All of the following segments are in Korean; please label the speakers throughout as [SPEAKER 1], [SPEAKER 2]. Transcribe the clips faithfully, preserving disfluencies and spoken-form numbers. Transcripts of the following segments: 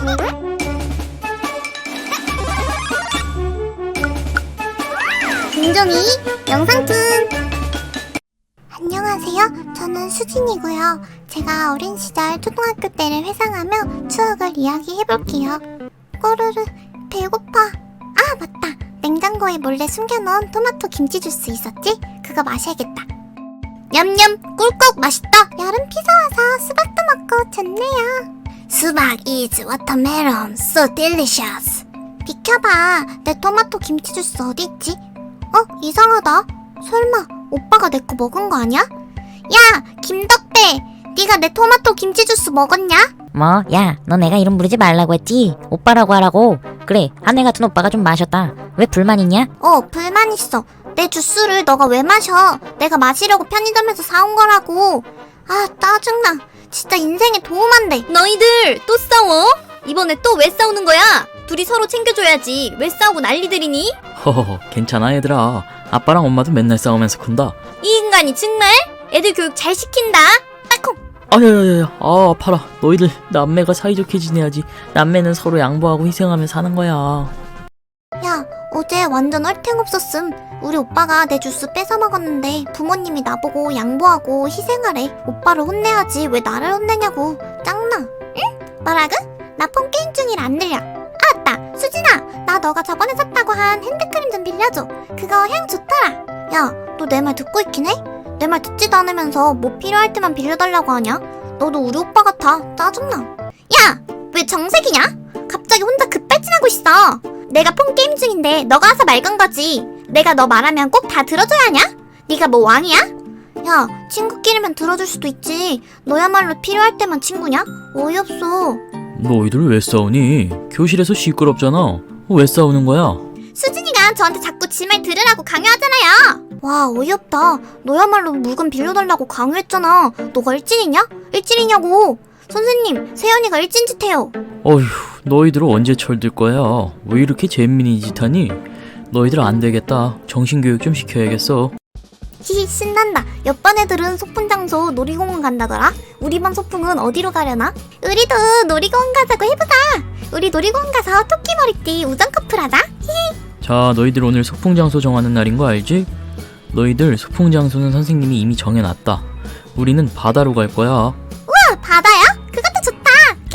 [SPEAKER 1] 김종이 영상툰. 안녕하세요. 저는 수진이고요. 제가 어린 시절 초등학교 때를 회상하며 추억을 이야기해볼게요. 꼬르르 배고파. 아 맞다. 냉장고에 몰래 숨겨놓은 토마토 김치 주스 있었지? 그거 마셔야겠다. 냠냠 꿀꺽 맛있다. 여름 피서 와서 수박도 먹고 좋네요. 수박 is watermelon so delicious. 비켜봐. 내 토마토 김치 주스 어디 있지? 어? 이상하다. 설마 오빠가 내 거 먹은 거 아니야? 야! 김덕배! 네가 내 토마토 김치 주스 먹었냐?
[SPEAKER 2] 뭐? 야, 너 내가 이름 부르지 말라고 했지? 오빠라고 하라고. 그래, 하늘 같은 오빠가 좀 마셨다. 왜 불만 있냐?
[SPEAKER 1] 어, 불만 있어. 내 주스를 너가 왜 마셔? 내가 마시려고 편의점에서 사온 거라고. 아, 짜증나. 진짜 인생에 도움 안 돼.
[SPEAKER 3] 너희들 또 싸워? 이번에 또 왜 싸우는 거야? 둘이 서로 챙겨줘야지. 왜 싸우고 난리들이니?
[SPEAKER 4] 허허허, 괜찮아 얘들아. 아빠랑 엄마도 맨날 싸우면서 큰다.
[SPEAKER 3] 이 인간이 정말? 애들 교육 잘 시킨다. 따콩.
[SPEAKER 4] 아야야야, 아 아파라. 너희들 남매가 사이좋게 지내야지. 남매는 서로 양보하고 희생하며 사는 거야.
[SPEAKER 1] 야, 어제 완전 얼탱 없었음. 우리 오빠가 내 주스 뺏어 먹었는데 부모님이 나보고 양보하고 희생하래. 오빠를 혼내야지 왜 나를 혼내냐고. 짱나. 응? 뭐라고? 나 폰 게임 중이라 안 들려. 아 맞다. 수진아, 나 너가 저번에 샀다고 한 핸드크림 좀 빌려줘. 그거 향 좋더라. 야, 너 내 말 듣고 있긴 해? 내 말 듣지도 않으면서 뭐 필요할 때만 빌려달라고 하냐? 너도 우리 오빠 같아. 짜증나. 야! 왜 정색이냐? 갑자기 혼자 급발진하고 있어. 내가 폰 게임 중인데 너가 와서 말 건 거지. 내가 너 말하면 꼭 다 들어줘야 하냐? 네가 뭐 왕이야? 야, 친구끼리면 들어줄 수도 있지. 너야말로 필요할 때만 친구냐? 어이없어.
[SPEAKER 4] 너희들 왜 싸우니? 교실에서 시끄럽잖아. 왜 싸우는 거야?
[SPEAKER 1] 수진이가 저한테 자꾸 지 말 들으라고 강요하잖아요. 와, 어이없다. 너야말로 물건 빌려달라고 강요했잖아. 너가 일진이냐? 일진이냐고. 선생님, 세연이가 일진 짓 해요.
[SPEAKER 4] 어휴, 너희들 언제 철들 거야? 왜 이렇게 잼민이 짓 하니? 너희들 안 되겠다. 정신교육 좀 시켜야겠어.
[SPEAKER 1] 히히, 신난다. 옆반 애들은 소풍 장소 놀이공원 간다더라. 우리 반 소풍은 어디로 가려나? 우리도 놀이공원 가자고 해보자. 우리 놀이공원 가서 토끼 머리띠 우정 커플 하자. 히히.
[SPEAKER 4] 자, 너희들 오늘 소풍 장소 정하는 날인 거 알지? 너희들 소풍 장소는 선생님이 이미 정해놨다. 우리는 바다로 갈 거야.
[SPEAKER 1] 우와, 바다야? 그것도 좋다.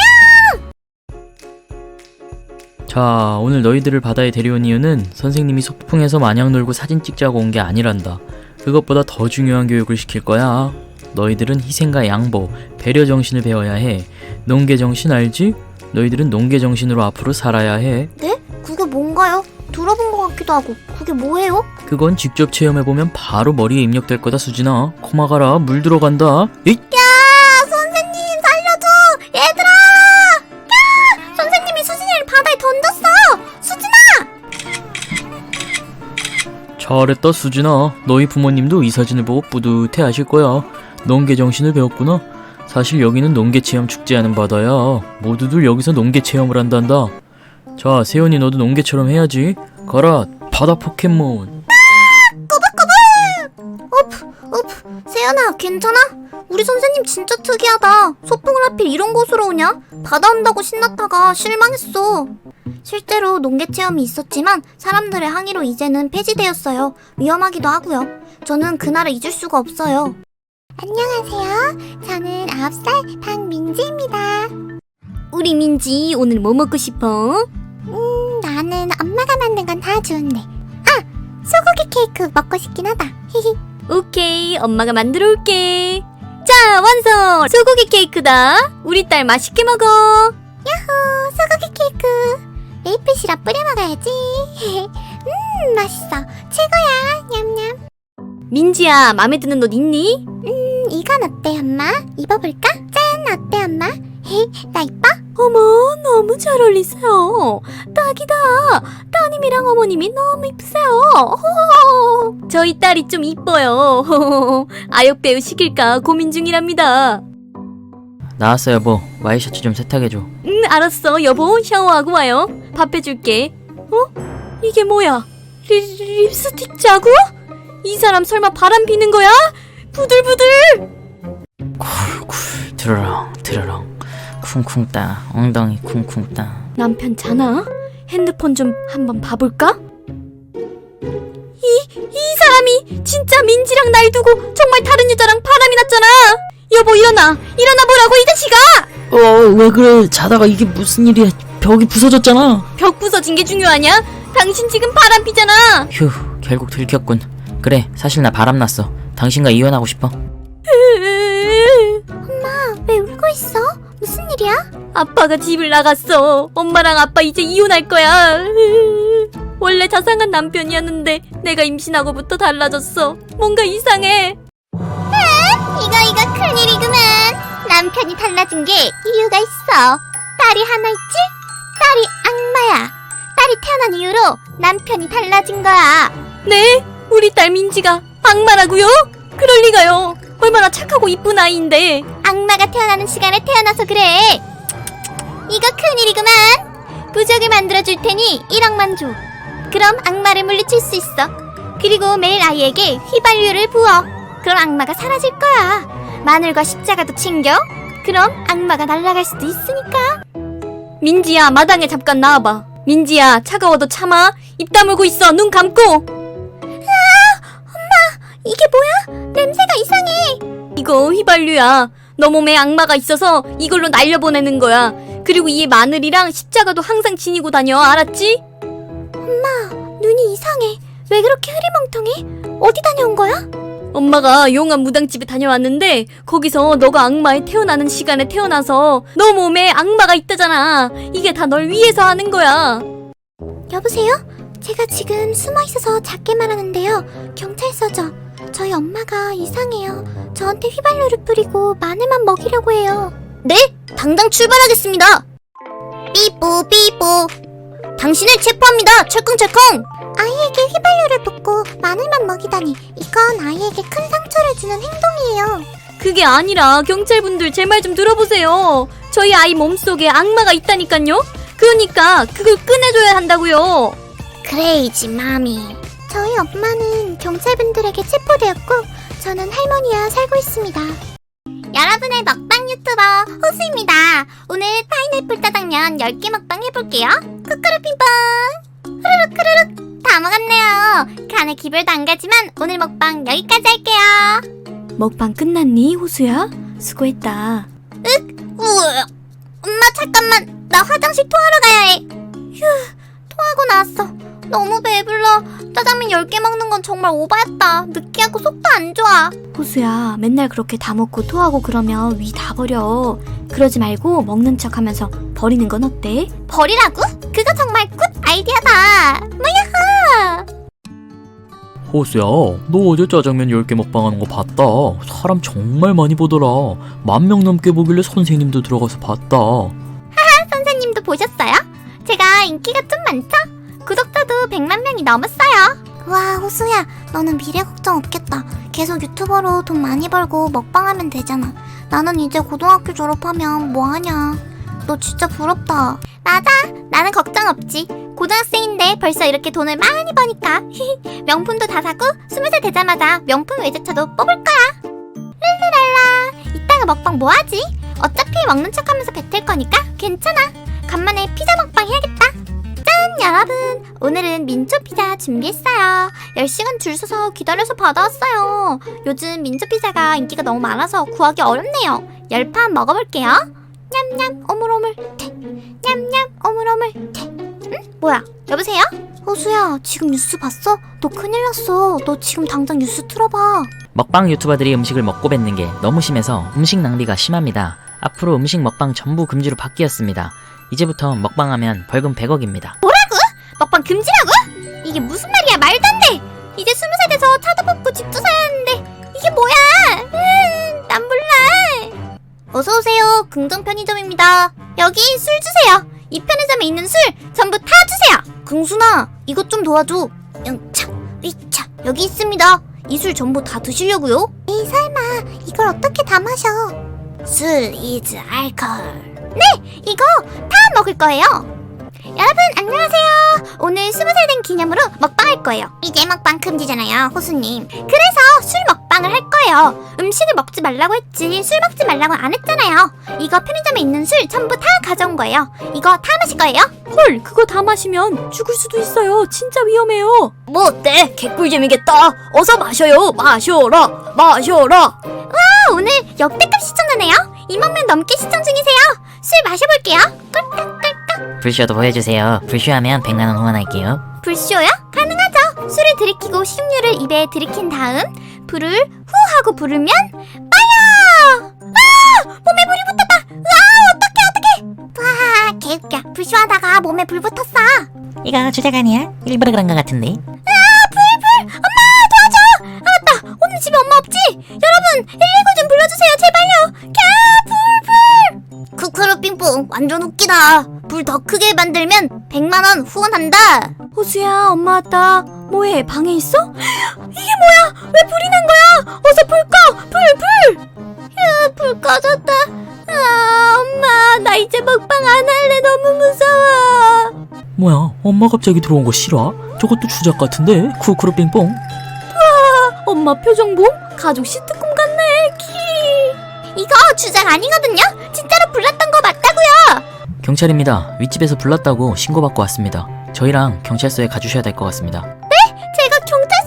[SPEAKER 4] 자, 오늘 너희들을 바다에 데려온 이유는 선생님이 소풍에서 마냥 놀고 사진 찍자고 온 게 아니란다. 그것보다 더 중요한 교육을 시킬 거야. 너희들은 희생과 양보, 배려 정신을 배워야 해. 농계 정신 알지? 너희들은 농계 정신으로 앞으로 살아야 해.
[SPEAKER 1] 네? 그게 뭔가요? 들어본 것 같기도 하고. 그게 뭐예요?
[SPEAKER 4] 그건 직접 체험해보면 바로 머리에 입력될 거다, 수진아. 코막아라, 물 들어간다. 에잇!
[SPEAKER 1] 야, 선생님 살려줘. 얘들아. 야, 선생님이 수진이를 바다에 던졌어. 수진아.
[SPEAKER 4] 잘했다, 수진아. 너희 부모님도 이 사진을 보고 뿌듯해 하실 거야. 농계 정신을 배웠구나. 사실 여기는 농계 체험 축제하는 바다야. 모두들 여기서 농계 체험을 한단다. 자, 세연이 너도 농계처럼 해야지. 가라, 바다 포켓몬.
[SPEAKER 1] 꼬불꼬불. 오프, 오프. 세연아, 괜찮아? 우리 선생님 진짜 특이하다. 소풍을 하필 이런 곳으로 오냐? 바다 온다고 신났다가 실망했어. 실제로 농계 체험이 있었지만 사람들의 항의로 이제는 폐지되었어요. 위험하기도 하고요. 저는 그날을 잊을 수가 없어요. 안녕하세요. 저는 아홉 살 박민지입니다.
[SPEAKER 3] 우리 민지 오늘 뭐 먹고 싶어?
[SPEAKER 1] 음, 나는 엄마가 만든 건 다 좋은데. 아! 소고기 케이크 먹고 싶긴 하다. 히히.
[SPEAKER 3] 오케이, 엄마가 만들어 올게. 자, 완성! 소고기 케이크다. 우리 딸 맛있게 먹어.
[SPEAKER 1] 야호! 소고기 케이크. 메이플 시럽 뿌려 먹어야지. 음, 맛있어. 최고야. 냠냠.
[SPEAKER 3] 민지야, 마음에 드는 옷 있니?
[SPEAKER 1] 음, 이건 어때, 엄마? 입어볼까? 짠, 어때, 엄마? 나 이뻐?
[SPEAKER 3] 어머, 너무 잘 어울리세요. 딱이다. 따님이랑 어머님이 너무 이쁘세요. 호호호. 저희 딸이 좀 이뻐요. 호호호. 아역 배우 시킬까 고민 중이랍니다.
[SPEAKER 4] 나왔어, 여보. 와이셔츠 좀 세탁해줘.
[SPEAKER 3] 응, 알았어. 여보, 샤워하고 와요. 밥 해줄게. 어? 이게 뭐야? 리, 립스틱 자국? 이 사람 설마 바람 피는 거야? 부들부들.
[SPEAKER 4] 쿨쿨 드르렁 드르렁
[SPEAKER 2] 쿵쿵 따. 엉덩이 쿵쿵 따.
[SPEAKER 3] 남편 자나? 핸드폰 좀 한번 봐볼까? 이, 이 사람이 진짜 민지랑 날 두고 정말 다른 여자랑 바람이 났잖아. 여보 일어나. 일어나 보라고 이 자식아.
[SPEAKER 4] 어, 왜 그래? 자다가 이게 무슨 일이야? 벽이 부서졌잖아.
[SPEAKER 3] 벽 부서진 게 중요하냐? 당신 지금 바람 피잖아.
[SPEAKER 4] 휴, 결국 들켰군. 그래, 사실 나 바람났어. 당신과 이혼하고 싶어.
[SPEAKER 1] 왜 울고 있어? 무슨 일이야?
[SPEAKER 3] 아빠가 집을 나갔어. 엄마랑 아빠 이제 이혼할 거야. 원래 자상한 남편이었는데 내가 임신하고부터 달라졌어. 뭔가 이상해.
[SPEAKER 1] 이거 이거 큰일이구만. 남편이 달라진 게 이유가 있어. 딸이 하나 있지? 딸이 악마야. 딸이 태어난 이후로 남편이 달라진 거야.
[SPEAKER 3] 네? 우리 딸 민지가 악마라고요? 그럴 리가요. 얼마나 착하고 이쁜 아이인데.
[SPEAKER 1] 악마가 태어나는 시간에 태어나서 그래. 이거 큰일이구만. 부적을 만들어줄 테니 일억만 줘. 그럼 악마를 물리칠 수 있어. 그리고 매일 아이에게 휘발유를 부어. 그럼 악마가 사라질 거야. 마늘과 십자가도 챙겨. 그럼 악마가 날아갈 수도 있으니까.
[SPEAKER 3] 민지야, 마당에 잠깐 나와봐. 민지야, 차가워도 참아. 입 다물고 있어. 눈 감고.
[SPEAKER 1] 이게 뭐야? 냄새가 이상해.
[SPEAKER 3] 이거 휘발유야. 너 몸에 악마가 있어서 이걸로 날려보내는 거야. 그리고 이 마늘이랑 십자가도 항상 지니고 다녀. 알았지?
[SPEAKER 1] 눈이 이상해. 왜 그렇게 흐리멍텅해? 어디 다녀온 거야?
[SPEAKER 3] 엄마가 용암 무당집에 다녀왔는데 거기서 너가 악마에 태어나는 시간에 태어나서 너 몸에 악마가 있다잖아. 이게 다 널 위해서 하는 거야.
[SPEAKER 1] 여보세요? 제가 지금 숨어 있어서 작게 말하는데요. 경찰서죠. 저희 엄마가 이상해요. 저한테 휘발유를 뿌리고 마늘만 먹이려고 해요.
[SPEAKER 3] 네? 당장 출발하겠습니다.
[SPEAKER 1] 삐뽀 삐뽀. 당신을 체포합니다. 철컹철컹. 아이에게 휘발유를 붓고 마늘만 먹이다니 이건 아이에게 큰 상처를 주는 행동이에요.
[SPEAKER 3] 그게 아니라 경찰분들 제 말 좀 들어보세요. 저희 아이 몸속에 악마가 있다니까요. 그러니까 그걸 꺼내줘야 한다고요.
[SPEAKER 1] 크레이지 마미. 저희 엄마는 경찰분들에게 체포되었고 저는 할머니와 살고 있습니다. 여러분의 먹방 유튜버 호수입니다. 오늘 파인애플 짜장면 열 개 먹방 해볼게요. 쿠쿠루 핑퐁. 후루룩 후루룩 다 먹었네요. 간에 기별도 안 가지만 오늘 먹방 여기까지 할게요.
[SPEAKER 3] 먹방 끝났니, 호수야? 수고했다.
[SPEAKER 1] 우와. 엄마 잠깐만. 나 화장실 토하러 가야 해. 휴. 토하고 나왔어. 너무 배불러. 짜장면 열 개 먹는 건 정말 오바였다. 느끼하고 속도 안 좋아.
[SPEAKER 3] 호수야, 맨날 그렇게 다 먹고 토하고 그러면 위 다 버려. 그러지 말고 먹는 척 하면서 버리는 건 어때?
[SPEAKER 1] 버리라고? 그거 정말 굿 아이디어다. 뭐야?
[SPEAKER 4] 호수야, 너 어제 짜장면 열 개 먹방하는 거 봤다. 사람 정말 많이 보더라. 만 명 넘게 보길래 선생님도 들어가서 봤다.
[SPEAKER 1] 선생님도 보셨어요? 제가 인기가 좀 많죠? 구독자도 백만 명이 넘었어요. 와, 호수야, 너는 미래 걱정 없겠다. 계속 유튜버로 돈 많이 벌고 먹방하면 되잖아. 나는 이제 고등학교 졸업하면 뭐하냐. 너 진짜 부럽다. 맞아, 나는 걱정 없지. 고등학생인데 벌써 이렇게 돈을 많이 버니까. 명품도 다 사고 스무 살 되자마자 명품 외제차도 뽑을 거야. 룰루랄라. 이따가 먹방 뭐하지? 어차피 먹는 척하면서 뱉을 거니까 괜찮아. 간만에 피자 먹방 해야겠다. 짠, 여러분, 오늘은 민초 피자 준비했어요. 열 시간 줄 서서 기다려서 받아왔어요. 요즘 민초 피자가 인기가 너무 많아서 구하기 어렵네요. 열 판 먹어볼게요. 냠냠 오물오물 태. 냠냠 오물오물 태. 응? 뭐야? 여보세요? 호수야, 지금 뉴스 봤어? 너 큰일 났어. 너 지금 당장 뉴스 틀어봐.
[SPEAKER 2] 먹방 유튜버들이 음식을 먹고 뱉는 게 너무 심해서 음식 낭비가 심합니다. 앞으로 음식 먹방 전부 금지로 바뀌었습니다. 이제부터 먹방하면 벌금 백억입니다.
[SPEAKER 1] 먹방 금지라고? 이게 무슨 말이야? 말도 안 돼. 이제 스무 살 돼서 차도 뽑고 집도 사야 하는데 이게 뭐야? 음, 난 몰라. 어서 오세요. 긍정 편의점입니다. 여기 술 주세요. 이 편의점에 있는 술 전부 다 주세요. 긍순아, 이것 좀 도와줘. 영차, 위차, 여기 있습니다. 이 술 전부 다 드시려고요? 에이, 설마 이걸 어떻게 다 마셔? 술 이즈 알코올. 네, 이거 다 먹을 거예요. 여러분 안녕하세요. 오늘 스무 살 된 기념으로 먹방 할 거예요. 이제 먹방 금지잖아요, 호수님. 그래서 술 먹방 먹방을 할 거예요. 음식을 먹지 말라고 했지 술 먹지 말라고 안 했잖아요. 이거 편의점에 있는 술 전부 다 가져온 거예요. 이거 다 마실 거예요.
[SPEAKER 3] 헐, 그거 다 마시면 죽을 수도 있어요. 진짜 위험해요.
[SPEAKER 5] 뭐 어때? 개꿀잼이겠다. 어서 마셔요. 마셔라. 마셔라.
[SPEAKER 1] 아, 오늘 역대급 시청자네요. 이만 명 넘게 시청 중이세요. 술 마셔볼게요. 꿀꺽꿀꺽.
[SPEAKER 2] 불쇼도 보여주세요. 불쇼하면 백만 원 후원할게요.
[SPEAKER 1] 불쇼요? 가능하죠. 술을 들이키고 식용유를 입에 들이킨 다음 불을 후 하고 부르면 빠야. 아! 몸에 불이 붙었다. 아, 어떡해 어떡해. 와, 개웃겨. 불쇼하다가 몸에 불 붙었어.
[SPEAKER 2] 이거 주작 아니야? 일부러 그런 것 같은데.
[SPEAKER 1] 오늘 집에 엄마 없지? 여러분 일일구 좀 불러주세요 제발요. 캬, 불불. 쿠쿠루 삥뽕 완전 웃기다. 불 더 크게 만들면 백만 원 후원한다.
[SPEAKER 3] 호수야, 엄마 왔다. 뭐해, 방에 있어? 이게 뭐야? 왜 불이 난 거야? 어서 불 꺼! 불, 불!
[SPEAKER 1] 야, 불 꺼졌다.
[SPEAKER 3] 아, 엄마, 나 이제 먹방 안 할래. 너무 무서워.
[SPEAKER 4] 뭐야, 엄마 갑자기 들어온 거 싫어? 저것도 주작 같은데? 쿠쿠루 빙뽕.
[SPEAKER 3] 엄마 표정 봄? 가족 시트콤 같네. 키.
[SPEAKER 1] 이거 주작 아니거든요. 진짜로 불났던 거 맞다고요.
[SPEAKER 4] 경찰입니다. 윗집에서 불났다고 신고받고 왔습니다. 저희랑 경찰서에 가주셔야 될 것 같습니다.
[SPEAKER 1] 제가 경찰